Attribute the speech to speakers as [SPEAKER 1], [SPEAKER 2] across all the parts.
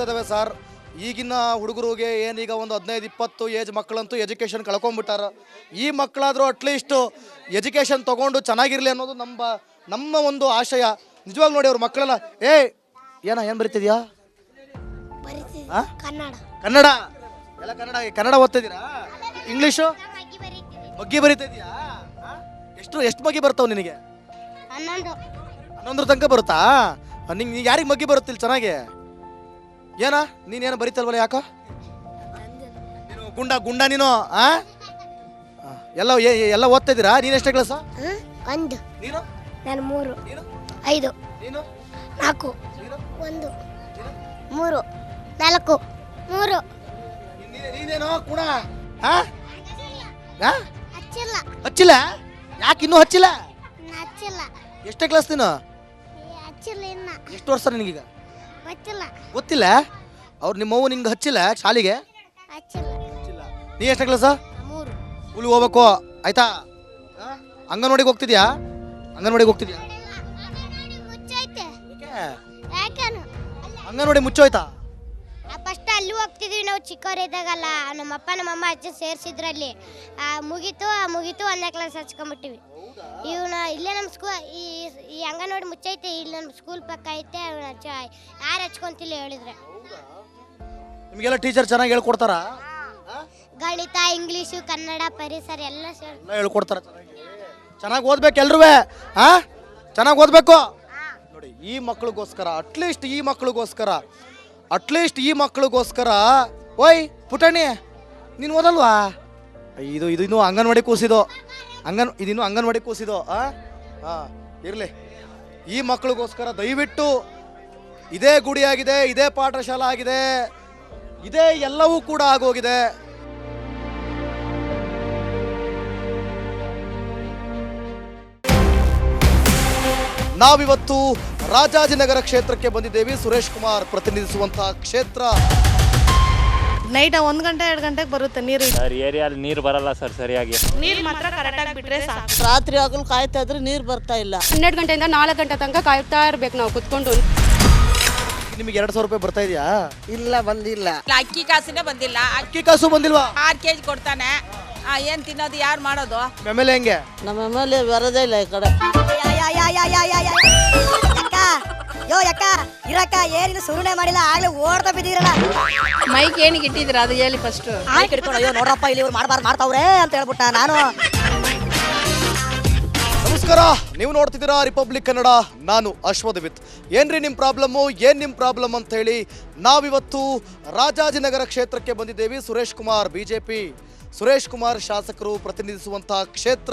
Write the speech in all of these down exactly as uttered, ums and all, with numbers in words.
[SPEAKER 1] ಇದ್ದಾವೆ ಸರ್. ಈಗಿನ ಹುಡುಗರಿಗೆ ಏನೀಗ ಒಂದು ಹದಿನೈದು ಇಪ್ಪತ್ತು ಏಜ್ ಮಕ್ಕಳಂತೂ ಎಜುಕೇಷನ್ ಕಳ್ಕೊಂಡ್ಬಿಟ್ಟಾರ. ಈ ಮಕ್ಕಳಾದರೂ ಅಟ್ಲೀಸ್ಟು ಎಜುಕೇಷನ್ ತೊಗೊಂಡು ಚೆನ್ನಾಗಿರಲಿ ಅನ್ನೋದು ನಮ್ಮ ನಮ್ಮ ಒಂದು ಆಶಯ. ನಿಜವಾಗ್ ನೋಡಿ ಅವ್ರ ಮಕ್ಕಳೆಲ್ಲ ಏ ಏನ ಏನು ಬರೀತಿದ್ಯಾ?
[SPEAKER 2] ಕನ್ನಡ
[SPEAKER 1] ಕನ್ನಡ ಎಲ್ಲ ಕನ್ನಡ ಕನ್ನಡ ಓದ್ತಿದ್ದೀರಾ? ಇಂಗ್ಲೀಷು ಮಗ್ಗಿ ಬರೀತಿದ್ಯಾ? ಎಷ್ಟು ಎಷ್ಟು ಮಗ್ಗಿ ಬರ್ತಾವ ನಿನಗೆ?
[SPEAKER 2] ಹನ್ನೊಂದು
[SPEAKER 1] ಹನ್ನೊಂದರ ತನಕ ಬರುತ್ತಾ? ನಿಂಗೆ ಯಾರಿಗೆ ಮಗ್ಗಿ ಬರುತ್ತಿಲ್ಲ ಚೆನ್ನಾಗಿ? ಏನ ನೀನೇನು ಬರೀತಲ್ವಲ್ಲ ಯಾಕೋ? ನೀನು ಗುಂಡ ಗುಂಡ ನೀನು ಆ ಎಲ್ಲ ಎಲ್ಲ ಓದ್ತಾ ಇದ್ದೀರಾ? ನೀನು ಎಷ್ಟೇ ಕ್ಲಾಸ?
[SPEAKER 2] ಒಂದು.
[SPEAKER 1] ನೀನು?
[SPEAKER 2] ನಾನು ಮೂರು.
[SPEAKER 1] ನೀನು?
[SPEAKER 2] ಐದು.
[SPEAKER 1] ನೀನು?
[SPEAKER 2] ನಾಲ್ಕು.
[SPEAKER 1] ನೀನು?
[SPEAKER 2] ಒಂದು. ಮೂರು. ನಾಲ್ಕು. ಮೂರು.
[SPEAKER 1] ನೀನೇನೋ ಕೂಡ
[SPEAKER 2] ಹಚ್ಚಿಲ್ಲ.
[SPEAKER 1] ಹಚ್ಚಿಲ್ಲ? ಯಾಕೆ ಇನ್ನೂ ಹಚ್ಚಿಲ್ಲ?
[SPEAKER 2] ಹಚ್ಚಿಲ್ಲ.
[SPEAKER 1] ಎಷ್ಟೇ ಕ್ಲಾಸ್ ನೀನು?
[SPEAKER 2] ಹಚ್ಚಿಲ್ಲ ಇನ್ನ.
[SPEAKER 1] ಎಷ್ಟು ವರ್ಷ ನಿನಗೀಗ?
[SPEAKER 2] ಗೊತ್ತಿಲ್ಲ.
[SPEAKER 1] ಗೊತ್ತಿಲ್ಲ? ಅವ್ರು ನಿಮ್ಮವ್ವ ನಿನ್ಗೆ ಹಚ್ಚಿಲ್ಲ ಶಾಲೆಗೆ?
[SPEAKER 2] ಹಚ್ಚಿಲ್ಲ.
[SPEAKER 1] ಹಚ್ಚಿಲ್ಲ. ನೀ ಎಷ್ಟೇ ಕ್ಲಾಸ?
[SPEAKER 2] ಮೂರು.
[SPEAKER 1] ಸ್ಕೂಲಿಗೆ ಹೋಗ್ಬೇಕು ಆಯ್ತಾ? ಅಂಗನವಾಡಿಗೆ ಹೋಗ್ತಿದ್ಯಾ? ಅಂಗನವಾಡಿಗೆ ಹೋಗ್ತಿದ್ಯಾ?
[SPEAKER 2] ಮುಚ್ಚೈತೆ. ಯಾಕೇನು?
[SPEAKER 1] ಅಂಗನವಾಡಿ ಮುಚ್ಚೋಯ್ತಾ?
[SPEAKER 2] ಫಸ್ಟ್ ಅಲ್ಲಿ ಹೋಗ್ತಿದ್ವಿ ನಾವು ಚಿಕ್ಕವರಿದ್ದಾಗಲ್ಲ. ನಮ್ಮಪ್ಪ ನಮ್ಮಮ್ಮ ಅಜ್ಜ ಸೇರಿಸಿದ್ರಲ್ಲಿ ಮುಗೀತು ಮುಗೀತು ಒಂದನೇ ಕ್ಲಾಸ್ ಹಚ್ಕೊಂಡ್ಬಿಟ್ಟಿವಿ. ಇವನ ಇಲ್ಲೇ ನಮ್ಮ ಸ್ಕೂ ಈ ಈ ಅಂಗನವಾಡಿ ಮುಚ್ಚೈತೆ. ಇಲ್ಲಿ ನಮ್ಮ ಸ್ಕೂಲ್ ಪಕ್ಕ ಐತೆ. ಯಾರು ಹಚ್ಕೊಂತಿಲ್ಲ ಹೇಳಿದ್ರೆ.
[SPEAKER 1] ನಿಮಗೆಲ್ಲ ಟೀಚರ್ ಚೆನ್ನಾಗಿ ಹೇಳ್ಕೊಡ್ತಾರಾ?
[SPEAKER 2] ಗಣಿತ, ಇಂಗ್ಲೀಷು, ಕನ್ನಡ, ಪರಿಸರ ಎಲ್ಲ ಸೇರಿ
[SPEAKER 1] ಎಲ್ಲ ಹೇಳ್ಕೊಡ್ತಾರ. ಚೆನ್ನಾಗಿ ಓದ್ಬೇಕು ಎಲ್ರೂ. ಹಾ ಚೆನ್ನಾಗಿ ಓದ್ಬೇಕು ನೋಡಿ. ಈ ಮಕ್ಳಿಗೋಸ್ಕರ ಅಟ್ಲೀಸ್ಟ್ ಈ ಮಕ್ಳಿಗೋಸ್ಕರ ಅಟ್ಲೀಸ್ಟ್ ಈ ಮಕ್ಳಿಗೋಸ್ಕರ ಓಯ್ ಪುಟಣಿ ನೀನು ಓದಲ್ವಾ? ಇದು ಇದು ಇನ್ನೂ ಅಂಗನವಾಡಿ ಕೂಸಿದು ಅಂಗನ್ ಇದಿನ್ನೂ ಅಂಗನವಾಡಿ ಕೂಸಿದು ಆ ಹಾಂ ಇರಲಿ. ಈ ಮಕ್ಳಿಗೋಸ್ಕರ ದಯವಿಟ್ಟು ಇದೇ ಗುಡಿಯಾಗಿದೆ, ಇದೇ ಪಾಠಶಾಲಾ ಆಗಿದೆ, ಇದೇ ಎಲ್ಲವೂ ಕೂಡ ಆಗೋಗಿದೆ. ನಾವಿವತ್ತು ರಾಜಾಜಿನಗರ ಕ್ಷೇತ್ರಕ್ಕೆ ಬಂದಿದ್ದೇವೆ. ಸುರೇಶ್ ಕುಮಾರ್ ಪ್ರತಿನಿಧಿಸುವಂತಹ ಕ್ಷೇತ್ರ.
[SPEAKER 3] ನೈಟ್ ಒಂದ್ ಗಂಟೆ ಎರಡು ಗಂಟೆಗೆ ಬರುತ್ತೆ ನೀರು.
[SPEAKER 4] ಸರ್ ಏರಿಯಲ್ಲಿ ನೀರು ಬರಲ್ಲ ಸರ್ ಸರಿಯಾಗಿ.
[SPEAKER 3] ನೀರು ಮಾತ್ರ ಕರೆಕ್ಟಾಗಿ ಬಿಟ್ರೆ ಸಾಕು.
[SPEAKER 5] ರಾತ್ರಿ ಆಗಲು ಕಾಯ್ತಾ ಇದ್ರೆ ನೀರು ಬರ್ತಾ ಇಲ್ಲ.
[SPEAKER 6] ಹನ್ನೆರಡು ಗಂಟೆಯಿಂದ ನಾಲ್ಕು ಗಂಟೆ ತನಕ ಕಾಯ್ತಾ ಇರ್ಬೇಕು ನಾವು ಕುತ್ಕೊಂಡು.
[SPEAKER 1] ನಿಮಗೆ ಎರಡು ಸಾವಿರ ರೂಪಾಯಿ ಬರ್ತಾ ಇದೆಯಾ?
[SPEAKER 5] ಇಲ್ಲ ಬಂದಿಲ್ಲ.
[SPEAKER 7] ಅಕ್ಕಿ ಕಾಸಿನೇ ಬಂದಿಲ್ಲ.
[SPEAKER 1] ಅಕ್ಕಿ ಕಾಸು ಬಂದಿಲ್ವಾ?
[SPEAKER 7] ಆರು ಕೆಜಿ ಕೊಡ್ತಾನೆ. ಏನ್ ತಿನ್ನೋದು, ಯಾರು ಮಾಡೋದು?
[SPEAKER 1] ಆಮೇಲೆ ಹೆಂಗೆ?
[SPEAKER 5] ನಮ್ಮ ಮೇಲೆ ಬರೋದೇ ಇಲ್ಲ ಈ ಕಡೆ.
[SPEAKER 8] ಯೋ ಯಕ್ಕ ಇರಕ್ಕ ಏನಿದು ಸುರುಣೆ ಮಾಡಿಲ್ಲ, ಆಗ್ಲೇ ಓಡ್ತಾ ಬಿದ್ದೀರಲ್ಲ.
[SPEAKER 6] ಮೈಕ್ ಏನಿಗೆ ಇಟ್ಟಿದ್ದೀರಾ ಅದು ಹೇಳಿ ಫಸ್ಟ್.
[SPEAKER 8] ಆಯ್ ಕಿಡ್ಕೊಂಡು ಅಯ್ಯೋ ನೋಡ್ರಪ್ಪ ಇಲ್ಲಿ ಇವ್ರು ಮಾಡ್ಬಾರ್ದು ಮಾಡ್ತಾವ್ರೆ ಅಂತ ಹೇಳ್ಬಿಟ್ಟ ನಾನು.
[SPEAKER 1] ನಮಸ್ಕಾರ, ನೀವು ನೋಡ್ತಿದ್ದೀರಾ ರಿಪಬ್ಲಿಕ್ ಕನ್ನಡ. ನಾನು ಅಶ್ವಥವಿತ್. ಏನ್ರಿ ನಿಮ್ಮ ಪ್ರಾಬ್ಲಮ್ಮು, ಏನು ನಿಮ್ಮ ಪ್ರಾಬ್ಲಮ್ ಅಂತ ಹೇಳಿ ನಾವಿವತ್ತು ರಾಜಾಜಿನಗರ ಕ್ಷೇತ್ರಕ್ಕೆ ಬಂದಿದ್ದೇವೆ. ಸುರೇಶ್ ಕುಮಾರ್ ಬಿಜೆಪಿ ಸುರೇಶ್ ಕುಮಾರ್ ಶಾಸಕರು ಪ್ರತಿನಿಧಿಸುವಂತಹ ಕ್ಷೇತ್ರ.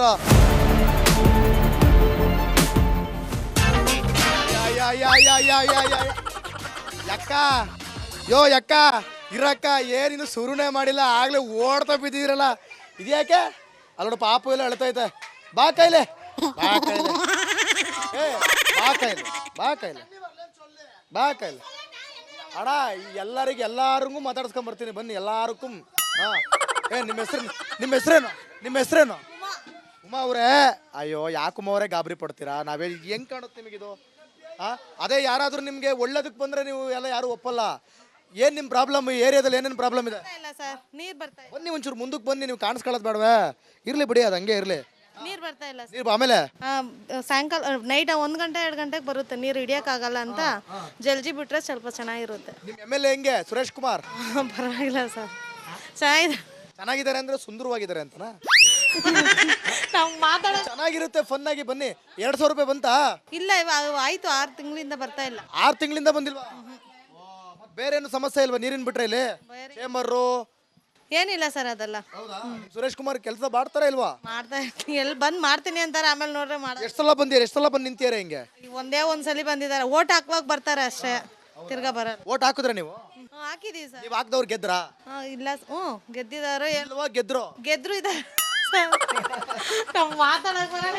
[SPEAKER 1] ಯಕ್ಕ ಯೋ ಯಕ್ಕ ಇರಕ್ಕ ಏನಿನ್ನು ಸುರುಣೆ ಮಾಡಿಲ್ಲ, ಆಗ್ಲೇ ಓಡ್ತಾ ಬಿದ್ದಿರಲ್ಲ. ಇದ್ಯಾಕೆ ಅಲ್ಲೋಡ ಪಾಪು ಎಲ್ಲ ಅಳ್ತೈತೆ. ಬಾ ಕೈಲೆ ಬಾ ಕೈಲೆ ಏ ಬಾ ಕೈಲೆ ಬಾ ಕೈಲೆ ಬಾ ಕೈಲೆ ಅಣ್ಣ. ಎಲ್ಲರಿಗೆ ಎಲ್ಲಾರಿಗೂ ಮಾತಾಡ್ಸ್ಕೊಂಡ್ ಬರ್ತೀನಿ ಬನ್ನಿ ಎಲ್ಲಾರಕ್ಕೂ. ಹಾ ಏ ನಿಮ್ಮ ಹೆಸ್ರು ನಿಮ್ಮ ಹೆಸ್ರೇನು ನಿಮ್ಮ ಹೆಸ್ರೇನು? ಉಮಾ ಅವರೇ. ಅಯ್ಯೋ ಯಾಕುಮ್ಮ ಅವರೇ ಗಾಬರಿ ಪಡ್ತೀರಾ? ನಾವೇ ಹೆಂಗ್ ಕಾಣುತ್ತೆ ನಿಮಗಿದು? ಹಾಂ ಅದೇ ಯಾರಾದರೂ ನಿಮಗೆ ಒಳ್ಳೇದಕ್ಕೆ ಬಂದರೆ ನೀವು ಎಲ್ಲ ಯಾರು ಒಪ್ಪಲ್ಲ. ಏನು ನಿಮ್ಮ ಪ್ರಾಬ್ಲಮ್? ಈ ಏರಿಯಾದಲ್ಲಿ ಏನೇನು ಪ್ರಾಬ್ಲಮ್ ಇದೆ?
[SPEAKER 3] ಇಲ್ಲ ಸರ್, ನೀರು ಬರ್ತಾ ಇಲ್ಲ.
[SPEAKER 1] ಬನ್ನಿ ಒಂಚೂರು ಮುಂದಕ್ಕೆ ಬನ್ನಿ, ನೀವು ಕಾಣಿಸ್ಕೊಳ್ಳೋದು ಬೇಡವೇ? ಇರಲಿ ಬಿಡಿ, ಅದು ಹಂಗೆ ಇರಲಿ.
[SPEAKER 3] ನೀರು ಬರ್ತಾ ಇಲ್ಲ
[SPEAKER 1] ನೀರು ಆಮೇಲೆ
[SPEAKER 3] ಸಾಯಂಕಾಲ ನೈಟ್ ಒಂದ್ ಗಂಟೆ ಎರಡು ಗಂಟೆಗೆ ಬರುತ್ತೆ ನೀರು. ಹಿಡಿಯೋಕ್ಕಾಗಲ್ಲ ಅಂತ ಜಲ್ದಿ ಬಿಟ್ರೆ ಸ್ವಲ್ಪ ಚೆನ್ನಾಗಿರುತ್ತೆ.
[SPEAKER 1] ನಿಮ್ಮ ಎಮ್ ಎಲ್ ಎ ಹೆಂಗೆ ಸುರೇಶ್ ಕುಮಾರ್?
[SPEAKER 3] ಪರವಾಗಿಲ್ಲ ಸರ್, ಚೆನ್ನಾಗಿದೆ.
[SPEAKER 1] ಚೆನ್ನಾಗಿದ್ದಾರೆ ಅಂದರೆ ಸುಂದರವಾಗಿದ್ದಾರೆ ಅಂತನಾ?
[SPEAKER 3] ನಾವು ಮಾತಾಡೋ
[SPEAKER 1] ಚೆನ್ನಾಗಿರುತ್ತೆ, ಫನ್ ಆಗಿ ಬನ್ನಿ. ಎರಡು ಸಾವಿರ ರೂಪಾಯಿ ಬಂತಾ?
[SPEAKER 3] ಇಲ್ಲ ಇವಾಗ ಆಯ್ತು, ಆರು ತಿಂಗಳಿಂದ ಬರ್ತಾ ಇಲ್ಲ.
[SPEAKER 1] ಆರು ತಿಂಗಳಿಂದ ಬಂದಿಲ್ವಾ? ಬೇರೆ ಏನು ಸಮಸ್ಯೆ ಇಲ್ವಾ ನೀರಿನ ಬಿಟ್ರೆ? ಇಲ್ಲಿ ಚೇಂಬರು
[SPEAKER 3] ಏನಿಲ್ಲ ಸರ್ ಅದೆಲ್ಲ.
[SPEAKER 1] ಸುರೇಶ್ ಕುಮಾರ್ ಕೆಲಸ ಮಾಡ್ತಾರ ಇಲ್ವಾ?
[SPEAKER 3] ಮಾಡ್ತಾ ಇರ್ತೀನಿ, ಎಲ್ಲಿ ಬಂದ್ ಮಾಡ್ತೀನಿ ಅಂತಾರೆ, ಆಮೇಲೆ ನೋಡ್ರೆ ಮಾಡ.
[SPEAKER 1] ಎಷ್ಟು ಸಲ ಬಂದಿರ ಎಷ್ಟು ಸಲ ಬಂದು ನಿಂತಿಯಾರ ಹಿಂಗೆ?
[SPEAKER 3] ಒಂದೇ ಒಂದ್ಸಲಿ ಬಂದಿದ್ದಾರೆ, ಓಟ್ ಹಾಕುವಾಗ ಬರ್ತಾರೆ ಅಷ್ಟೇ, ತಿರ್ಗಾ ಬರಲ್ಲ.
[SPEAKER 1] ಓಟ್ ಹಾಕಿದ್ರೆ ನೀವು?
[SPEAKER 3] ಹಾಕಿದೀವಿ ಸರ್.
[SPEAKER 1] ನೀವು ಹಾಕ್ದವ್ರು ಗೆದ್ರಾ?
[SPEAKER 3] ಇಲ್ಲ, ಹ್ಞೂ ಗೆದ್ದಿದಾರೋ
[SPEAKER 1] ಇಲ್ವಾ? ಗೆದ್ರು
[SPEAKER 3] ಗೆದ್ರು ಇದ್ದಾರೆ. ನಾವು ಮಾತಾಡಕ್ ಬರಲ್ಲ.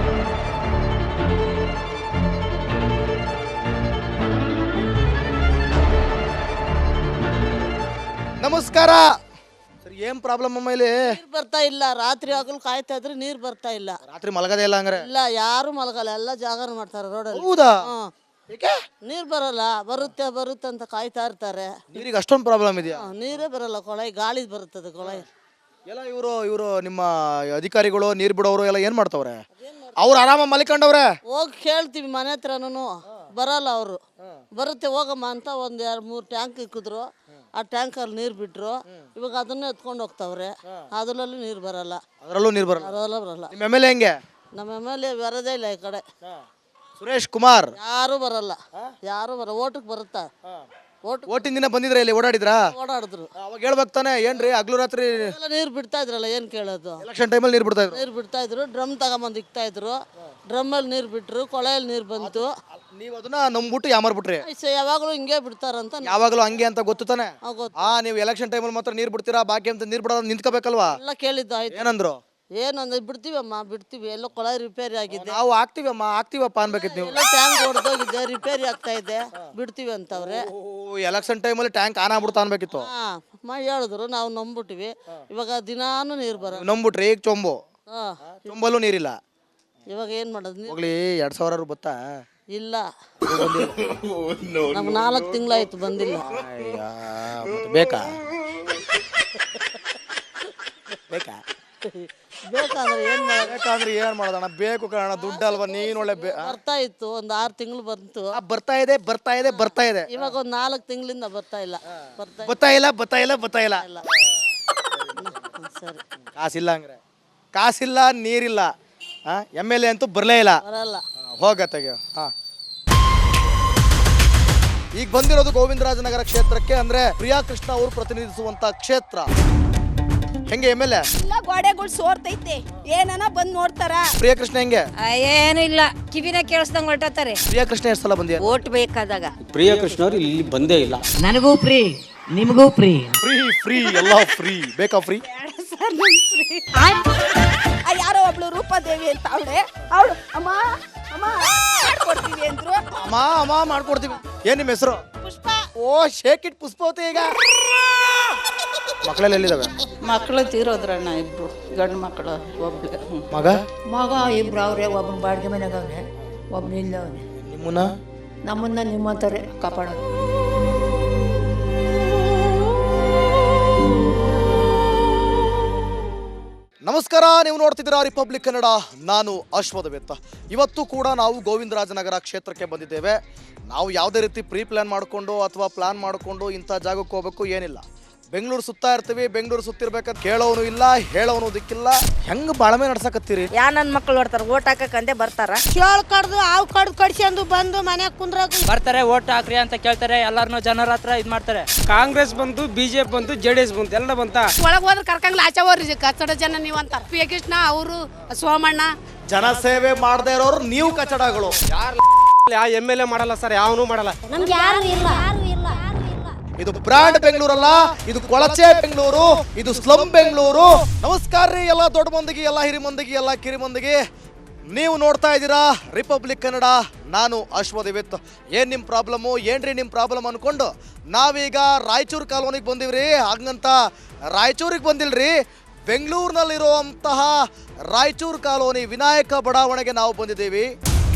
[SPEAKER 1] ನಮಸ್ಕಾರ ಸರ್. ಏನ್ ಪ್ರಾಬ್ಲಮ್ ಅಮ್ಮ ಇಲ್ಲಿ?
[SPEAKER 5] ನೀರು ಬರ್ತಾ ಇಲ್ಲ. ರಾತ್ರಿ ಆಗಲು ಕಾಯ್ತಾ ಇದ್ರೆ ನೀರು ಬರ್ತಾ ಇಲ್ಲ.
[SPEAKER 1] ರಾತ್ರಿ ಮಲಗದೇ ಇಲ್ಲ ಹಂಗಾರೆ?
[SPEAKER 5] ಇಲ್ಲ, ಯಾರು ಮಲಗಲ್ಲ, ಎಲ್ಲ ಜಾಗರಣೆ ಮಾಡ್ತಾರೆ ರೋಡಲ್ಲಿ.
[SPEAKER 1] ಹೌದಾ? ಏಕೆ
[SPEAKER 5] ನೀರು ಬರಲ್ಲ, ಬರುತ್ತೆ ಬರುತ್ತೆ ಅಂತ ಕಾಯ್ತಾ ಇರ್ತಾರೆ.
[SPEAKER 1] ನೀರಿಗೆ ಅಷ್ಟೊಂದು ಪ್ರಾಬ್ಲಮ್ ಇದೆಯಾ?
[SPEAKER 5] ಆ, ನೀರೇ ಬರಲ್ಲ, ಕೊಳಾಯಿ ಗಾಳಿ ಬರುತ್ತದೆ ಕೊಳಾಯಿ.
[SPEAKER 1] ಎಲ್ಲ ಇವರು ಇವರು ನಿಮ್ಮ ಅಧಿಕಾರಿಗಳು ನೀರು ಬಿಡೋರು ಎಲ್ಲ ಏನು ಮಾಡ್ತವ್ರೆ? ಅವ್ರು ಆರಾಮ ಮಲಿಕೊಂಡವ್ರೆ.
[SPEAKER 5] ಹೋಗಿ ಕೇಳ್ತೀವಿ ಮನೆ ಹತ್ರನೂ, ಬರಲ್ಲ ಅವರು. ಬರುತ್ತೆ ಹೋಗಮ್ಮ ಅಂತ ಒಂದು ಎರಡು ಮೂರು ಟ್ಯಾಂಕ್ ಇಕ್ಕಿದ್ರು, ಆ ಟ್ಯಾಂಕಲ್ಲಿ ನೀರು ಬಿಟ್ಟರು. ಇವಾಗ ಅದನ್ನೇ ಎತ್ಕೊಂಡು ಹೋಗ್ತಾವ್ರೆ, ಅದರಲ್ಲೂ ನೀರು ಬರಲ್ಲ.
[SPEAKER 1] ಅದರಲ್ಲೂ ನೀರು ಬರಲ್ಲ.
[SPEAKER 5] ಅದರಲ್ಲೂ ಬರಲ್ಲ.
[SPEAKER 1] ನಿಮ್ಮ ಎಮ್ ಎಲ್ ಎ ಹೆಂಗೆ?
[SPEAKER 5] ನಮ್ಮ ಎಮ್ ಎಲ್ ಎ ಬರೋದೇ ಇಲ್ಲ ಈ ಕಡೆ.
[SPEAKER 1] ಸುರೇಶ್ ಕುಮಾರ್
[SPEAKER 5] ಯಾರೂ ಬರಲ್ಲ, ಯಾರೂ ಬರ ಓಟಕ್ಕೆ ಬರುತ್ತಾ? ಓಟ್
[SPEAKER 1] ಓಟಿನ ದಿನ ಬಂದಿದ್ರೆ ಇಲ್ಲಿ ಓಡಾಡಿದ್ರಾ?
[SPEAKER 5] ಓಡಾಡಿದ್ರು.
[SPEAKER 1] ಅವಾಗ ಹೇಳ್ಬೇಕು ತಾನೆ, ಏನ್ರಿ ಹಗ್ಲು ರಾತ್ರಿ
[SPEAKER 5] ಎಲ್ಲ ನೀರು ಬಿಡ್ತಾ ಇದ್ರಲ್ಲ, ಏನು ಕೇಳೋದು?
[SPEAKER 1] ಎಲೆಕ್ಷನ್ ಟೈಮಲ್ಲಿ ನೀರು ಬಿಡ್ತಾ ಇದ್ರು.
[SPEAKER 5] ನೀರು ಬಿಡ್ತಾ ಇದ್ರು, ಡ್ರಮ್ ತಗೊಂಬಂದು ಇಕ್ತಾ ಇದ್ರು. ಡ್ರಮ್ಮಲ್ಲಿ ನೀರು ಬಿಟ್ಟರು, ಕೊಳೆಯಲ್ಲಿ ನೀರು ಬಂತು.
[SPEAKER 1] ನೀವು ಅದನ್ನ ನಂಬ್ಬಿಟ್ಟು ಯಾಮಾರ್ಬಿಟ್ರಿ.
[SPEAKER 5] ಐಸೆ ಯಾವಾಗಲೂ ಹಿಂಗೆ ಬಿಡ್ತಾರಂತ ನಾ-
[SPEAKER 1] ಯಾವಾಗಲೂ ಹಂಗೆ ಅಂತ ಗೊತ್ತು ತಾನೆ?
[SPEAKER 5] ಆ ಗೊತ್ತು.
[SPEAKER 1] ಆ ನೀವು ಎಲೆಕ್ಷನ್ ಟೈಮಲ್ಲಿ ಮಾತ್ರ ನೀರು ಬಿಡ್ತೀರಾ, ಬಾಕಿ ಅಂತ ನೀರು ಬಿಡೋದು ನಿಂತ್ಕೋಬೇಕಲ್ವಾ?
[SPEAKER 5] ಎಲ್ಲ ಕೇಳಿದ್ದು ಆಯ್ತು.
[SPEAKER 1] ಏನಂದ್ರು?
[SPEAKER 5] ಏನಂದ್ರೆ ಬಿಡ್ತೀವಮ್ಮ ಬಿಡ್ತೀವಿ, ಎಲ್ಲ ಕೊಳಾಯಿ ರಿಪೇರಿ ಆಗಿದೆ,
[SPEAKER 1] ನಾವು ಆಗ್ತೀವಮ್ಮ ಆಗ್ತೀವಪ್ಪ ಅನ್ಬೇಕಿತ್ತು ನೀವು.
[SPEAKER 5] ಎಲ್ಲ ಟ್ಯಾಂಕ್ ಹೊಡೆದೋಗಿದೆ, ರಿಪೇರಿ ಆಗ್ತಾ ಇದೆ, ಬಿಡ್ತೀವಿ ಅಂತವ್ರೆ.
[SPEAKER 1] ಎಲೆಕ್ಷನ್ ಟೈಮಲ್ಲಿ ಟ್ಯಾಂಕ್ ಆನ್ ಆಗ್ಬಿಡ್ತಾ ಅನ್ಬೇಕಿತ್ತು.
[SPEAKER 5] ಹಾ ಮ ಹೇಳಿದ್ರು, ನಾವು ನಂಬಿಟ್ವಿ. ಇವಾಗ ದಿನಾನು ನೀರು ಬರ.
[SPEAKER 1] ನೀವು ನಂಬ್ಬಿಟ್ರಿ. ಈಗ ಚೊಂಬು
[SPEAKER 5] ಹಾ
[SPEAKER 1] ಚೊಂಬಲ್ಲೂ ನೀರಿಲ್ಲ.
[SPEAKER 5] ಇವಾಗ ಏನು ಮಾಡೋದು? ನೀರು
[SPEAKER 1] ಹೋಗ್ಲಿ, ಎರಡ್ ಸಾವಿರ ಬತ್ತಾ?
[SPEAKER 5] ಇಲ್ಲ, ನಮ್ಗೆ ನಾಲ್ಕು ತಿಂಗಳಾಯ್ತು ಬಂದಿಲ್ಲ.
[SPEAKER 1] ಅಯ್ಯ, ಮತ್ತೆ ಬೇಕಾ ಬೇಕಾ
[SPEAKER 5] ಬೇಕಾದ್ರೆ ಏನು ಮಾಡೋದು?
[SPEAKER 1] ಬೇಕಂದ್ರೆ ಏನ್ ಮಾಡೋದಣ್ಣ? ಬೇಕು ಕಾರಣ ದುಡ್ಡು ಅಲ್ವಾ? ನೀನ್ ಒಳ್ಳೆ ಬೇ-
[SPEAKER 5] ಬರ್ತಾ ಇತ್ತು, ಒಂದು ಆರು ತಿಂಗಳು ಬಂತು.
[SPEAKER 1] ಆ, ಬರ್ತಾ ಇದೆ ಬರ್ತಾ ಇದೆ ಬರ್ತಾ ಇದೆ.
[SPEAKER 5] ಇವಾಗ ಒಂದು ನಾಲ್ಕು ತಿಂಗಳಿಂದ ಬರ್ತಾ ಇಲ್ಲ. ಬರ್ತಾ
[SPEAKER 1] ಬತ್ತಾ ಇಲ್ಲ ಬತ್ತಾ ಇಲ್ಲ ಬತ್ತಾ ಇಲ್ಲ.
[SPEAKER 5] ಇಲ್ಲ. ಸರಿ,
[SPEAKER 1] ಕಾಸಿಲ್ಲ ಹಂಗ್ರೆ, ಕಾಸಿಲ್ಲ, ನೀರಿಲ್ಲ. ಎಮ್ ಎಲ್ ಎ ಅಂತೂ ಬರಲೇ ಇಲ್ಲ.
[SPEAKER 5] ಬರಲ್ಲ.
[SPEAKER 1] ಹೋಗತ್ತೆಗೆ. ಹಾ, ಈಗ ಬಂದಿರೋದು ಗೋವಿಂದರಾಜನಗರ ಕ್ಷೇತ್ರಕ್ಕೆ, ಅಂದ್ರೆ ಪ್ರಿಯಾ ಕೃಷ್ಣ ಅವರು ಪ್ರತಿನಿಧಿಸುವಂತ ಕ್ಷೇತ್ರ. ಹೆಂಗೆ ಎಮ್ ಎಲ್ ಎ?
[SPEAKER 9] ಎಲ್ಲ ಗೋಡೆಗಳು ಸೋರ್ತೈತೆ, ಏನನ ಬಂದ್ ನೋಡ್ತಾರ.
[SPEAKER 1] ಪ್ರಿಯಾ ಕೃಷ್ಣ ಹೆಂಗೆ?
[SPEAKER 9] ಏನು ಇಲ್ಲ, ಕಿವಿನ ಕೇಳಿಸ್ದಂಗ್ ಹೊರಟತಾರೆ.
[SPEAKER 1] ಪ್ರಿಯಾ ಕೃಷ್ಣ ಎಷ್ಟು ಸಲ ಬಂದಿಯ?
[SPEAKER 9] ಓಟ್ ಬೇಕಾದಾಗ
[SPEAKER 10] ಪ್ರಿಯ ಕೃಷ್ಣ ಅವ್ರು ಇಲ್ಲಿ ಬಂದೇ ಇಲ್ಲ.
[SPEAKER 8] ನನಗೂ ಫ್ರೀ, ನಿಮಗೂ ಫ್ರೀ.
[SPEAKER 1] ಫ್ರೀ ಫ್ರೀ ಎಲ್ಲ ಫ್ರೀ. ಬೇಕಾ ಫ್ರೀ?
[SPEAKER 9] ಯಾರೋ ಒಬ್ಳು ರೂಪಾದೇವಿ ಅಂತ ಅವಳೆ, ಅವಳು ಅಮ್ಮ ಅಮ್ಮ ಮಾಡ್ಕೊಡ್ತೀವಿ ಅಂದ್ರು.
[SPEAKER 1] ಅಮ್ಮ ಅಮ್ಮ ಮಾಡ್ಕೊಡ್ತೀವಿ. ಏನ್ ನಿಮ್ಮ ಹೆಸರು?
[SPEAKER 9] ಪುಷ್ಪ.
[SPEAKER 1] ಓ, ಶೇಕ್ ಇಟ್ ಪುಷ್ಪವತಿ. ಈಗ ಮಕ್ಕಳೆಲ್ಲ ಎಲ್ಲಿದಾವೆ?
[SPEAKER 5] ಮಕ್ಕಳು ತೀರೋದ್ರಣ್ಣ, ಇಬ್ರು ಗಂಡು ಮಕ್ಕಳು, ಒಬ್ಳು
[SPEAKER 1] ಮಗ
[SPEAKER 8] ಮಗ ಇಬ್ರು ಅವ್ರೆ, ಒಬ್ಬನ ಬಾಡಿಗೆ ಮನೆಗೆ ಅವನೆ, ಒಬ್ಬನ ಇಲ್ಲ ಅವನೆ.
[SPEAKER 1] ನಿಮ್ಮನ್ನ
[SPEAKER 8] ನಮ್ಮನ್ನ ನಿಮ್ಮಂತಾರೆ ಕಾಪಾಡೋದು.
[SPEAKER 1] ನಮಸ್ಕಾರ, ನೀವು ನೋಡ್ತಿದ್ದೀರಾ ರಿಪಬ್ಲಿಕ್ ಕನ್ನಡ. ನಾನು ಅಶ್ವಥ್. ಇವತ್ತು ಕೂಡ ನಾವು ಗೋವಿಂದರಾಜನಗರ ಕ್ಷೇತ್ರಕ್ಕೆ ಬಂದಿದ್ದೇವೆ. ನಾವು ಯಾವುದೇ ರೀತಿ ಪ್ರೀ ಪ್ಲಾನ್ ಮಾಡಿಕೊಂಡು ಅಥವಾ ಪ್ಲಾನ್ ಮಾಡಿಕೊಂಡು ಇಂಥ ಜಾಗಕ್ಕೆ ಹೋಗಬೇಕು ಏನಿಲ್ಲ. ಬೆಂಗಳೂರು ಸುತ್ತಾ ಇರ್ತೀವಿ, ಬೆಂಗಳೂರು ಸುತ್ತಿರ್ಬೇಕಾದ್ರೆ ಕೇಳೋನು ಇಲ್ಲ, ಹೇಳೋನು ದಿಕ್ಕಿಲ್ಲ. ಹೆಂಗ್ ಬಾಳ್ಮೆ ನಡ್ಸಕತ್ತೀರಿ?
[SPEAKER 9] ಯಾ ನನ್ನ ಮಕ್ಕಳು ನೋಡ್ತಾರ, ಓಟ್ ಹಾಕಂದೆ ಬರ್ತಾರ.
[SPEAKER 3] ಚೇಳು ಕಡ್ದು ಹಾವು ಕಡ್ದು ಕಡ್ಸ್ಕೊಂಡು ಬಂದು ಮನ್ಯಾಗ ಕುಂದ್ರಾಗ
[SPEAKER 10] ಬರ್ತಾರೆ, ಓಟ್ ಹಾಕ್ರಿ ಅಂತ ಕೇಳ್ತಾರೆ. ಎಲ್ಲಾರನು ಜನರ ಹತ್ರ ಇದ್ ಮಾಡ್ತಾರೆ. ಕಾಂಗ್ರೆಸ್ ಬಂತು, ಬಿಜೆಪಿ ಬಂತು, ಜೆ ಡಿ ಎಸ್ ಬಂತು, ಎಲ್ಲ ಬಂತ.
[SPEAKER 6] ಒಳಗೆ ಹೋದ್ರೆ ಕರ್ಕಂಗ್ಲ ಆಚೆ ಹೋಗ್ರಿ ಕಚ್ಚಡ ಜನ ನೀವು ಅಂತಾರ. ಪಿ ಕೃಷ್ಣ ಅವರು, ಸೋಮಣ್ಣ,
[SPEAKER 1] ಜನಸೇವೆ ಮಾಡದೇ ಇರೋರು ನೀವು ಕಚಡಗಳು.
[SPEAKER 10] ಯಾವ ಎಮ್ ಎಲ್ ಎ ಮಾಡಲ್ಲ ಸರ್, ಯಾವನು ಮಾಡಲ್ಲ.
[SPEAKER 1] ಇದು ಬ್ರಾಂಡ್ ಬೆಂಗಳೂರಲ್ಲ, ಇದು ಕೊಳಚೆ ಬೆಂಗಳೂರು, ಇದು ಸ್ಲಮ್ ಬೆಂಗಳೂರು. ನಮಸ್ಕಾರ ರೀ ಎಲ್ಲ ದೊಡ್ಡ ಮಂದಿಗೆ, ಎಲ್ಲ ಹಿರಿ ಮಂದಿಗೆ, ಎಲ್ಲ ಕಿರಿ ಮಂದಿಗೆ. ನೀವು ನೋಡ್ತಾ ಇದ್ದೀರಾ ರಿಪಬ್ಲಿಕ್ ಕನ್ನಡ. ನಾನು ಅಶ್ವಥ್. ಏನ್ ನಿಮ್ಮ ಪ್ರಾಬ್ಲಮ್ಮು, ಏನ್ರಿ ನಿಮ್ಮ ಪ್ರಾಬ್ಲಮ್ ಅನ್ಕೊಂಡು ನಾವೀಗ ರಾಯಚೂರು ಕಾಲೋನಿಗೆ ಬಂದಿವ್ರಿ. ಹಾಗಂತ ರಾಯಚೂರಿಗೆ ಬಂದಿಲ್ರಿ, ಬೆಂಗಳೂರಿನಲ್ಲಿರುವಂತಹ ರಾಯಚೂರು ಕಾಲೋನಿ ವಿನಾಯಕ ಬಡಾವಣೆಗೆ ನಾವು ಬಂದಿದ್ದೀವಿ.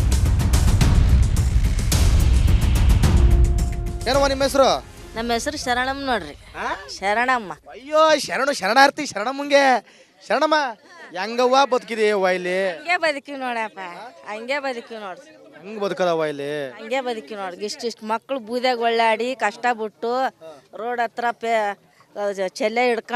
[SPEAKER 1] ಏನಮ್ಮ ನಿಮ್ಮ ಹೆಸರು?
[SPEAKER 5] ನಮ್ಮ ಹೆಸರು ಶರಣಮ್ಮ ನೋಡ್ರಿ. ಶರಣಮ್ಮ.
[SPEAKER 1] ಅಯ್ಯೋ, ಶರಣು ಶರಣಾರ್ಥಿ ಶರಣಮ್ಮಂಗೆ. ಶರಣಮ್ಮ ಹೆಂಗವ್ವ ಬದುಕಿದೆಯವ್ವ ಇಲ್ಲಿ?
[SPEAKER 9] ಹಂಗೆ ಬದುಕಿ ನೋಡಪ್ಪ, ಹಂಗೆ ಬದುಕಿ ನೋಡ್ರಿ.
[SPEAKER 1] ಹೆಂಗ್ ಬದುಕದವ್ವ ಇಲ್ಲಿ?
[SPEAKER 9] ಹಂಗೆ ಬದುಕಿ ನೋಡ್ರಿ. ಇಷ್ಟಿಷ್ಟು ಮಕ್ಕಳು ಬೂದ್ಯಾಗ ಒಳ್ಳಾಡಿ ಕಷ್ಟ ಬಿಟ್ಟು ರೋಡ್ ಹತ್ರ ಪೇ ಚೆಲ್ಲೆ ಹಿಡ್ಕೊಂಡು